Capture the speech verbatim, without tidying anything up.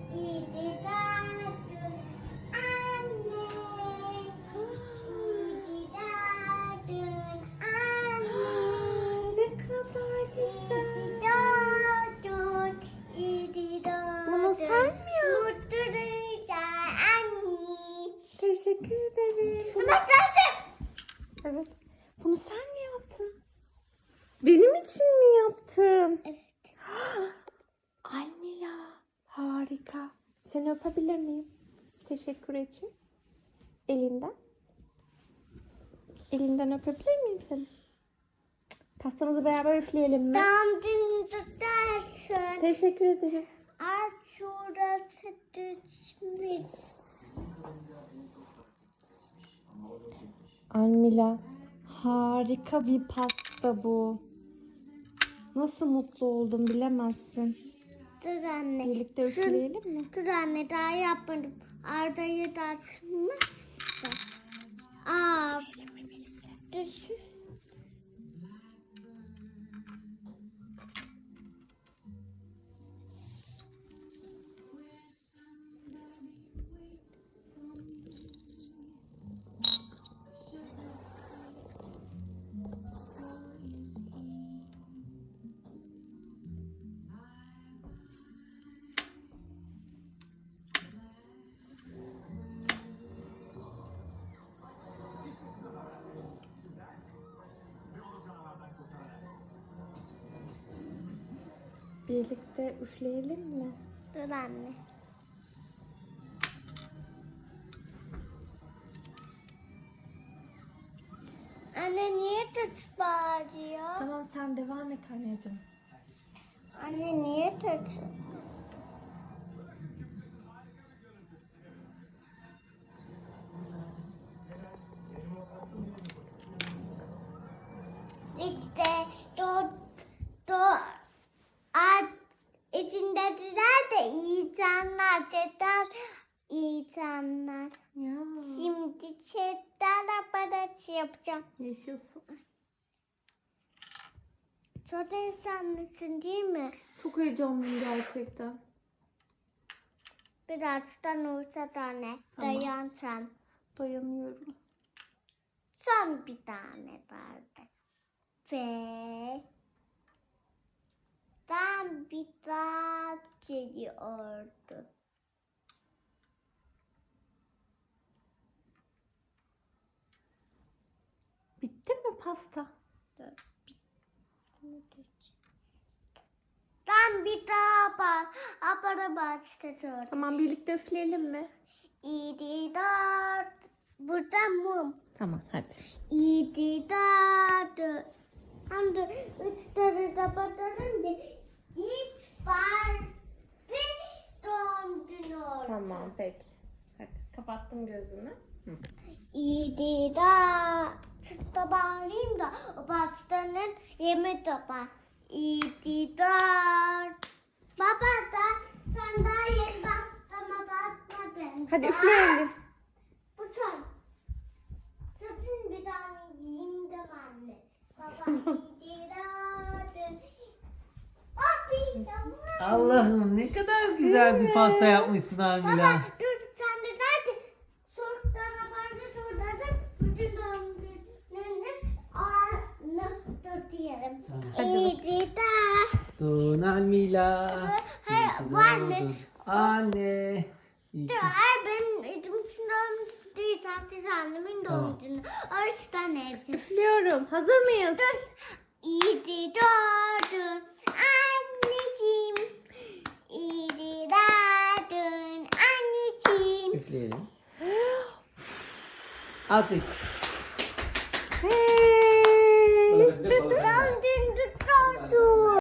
İyi ki doğdun anne. İyi ki doğdun anne. Ne kadar güzel. İyi ki doğdun. İyi ki doğdun. Bunu sen mi yaptın? Mutlu yıllar anne. Teşekkür ederim. Bunu- Bakın. Evet. Bunu sen mi yaptın? Benim için mi yaptın? Evet. Almila, harika. Seni öpebilir miyim? Teşekkür için. Elinden. Elinden öpebilir miyim seni? Pastamızı beraber üfleyelim mi? Doğum günü tutarsın. Teşekkür ederim. Aç şurası düşmüş. Almila, harika bir pasta bu. Nasıl mutlu oldum bilemezsin. Dur anne. Birlikte Dur- üfleyelim mi? Dur anne daha yapmadım. Arda'yı da açmaz da. Aa. Düşün. Birlikte üfleyelim mi? Dur anne. Anne niye tut bağırıyor? Tamam sen devam et anneciğim. Anne niye tut? İşte do do at içindekiler de iyi canlar, çeter iyi canlar. Ya. Şimdi çeter aparatı yapacağım. Yaşasın. Çok heyecanlısın değil mi? Çok heyecanlıyım gerçekten. Birazdan olsa da ne? Tamam. Dayan sen. Dayanıyorum. Son bir tane vardı. Ve ben bir daha geliyordu. Bitti mi pasta? Ben bir daha bak. Abara başlatıyorum. Tamam birlikte üfleyelim mi? İyi dört. Burada mum. Tamam hadi. İyi dört. Hem de üç tane de batarım da hiç parti doğum günü oldu. Tamam peki. Hadi kapattım gözümü. Hı. İyi da sütle bağlayayım da o pastanın yemi topar. İyi da baba da sen daha yeni pastama bakmadın. Hadi da. üfleyelim. Bu son. Sakın bir tane yiyeyim de anne. Baba iyi da. Abi tamam. Allah'ım ne kadar güzel bir pasta yapmışsın Almila. Baba dur sen de nerede? Sorttan haberci sordadım. Bütün doğum gününün anı tutuyorum. Hadi İyi de. Doğun Almila. Hayır, İyi ki bu anne. doğdun. Anne. İyi ki- Dur, hayır benim edim için doğum günü değil. Sadece annemin Tamam. doğum günü. O üç tane evcil. Üflüyorum. Hazır mıyız? Dur. İyi ki doğdun anneciğim. İyi ki doğdun anneciğim. Üfleyelim. At üf.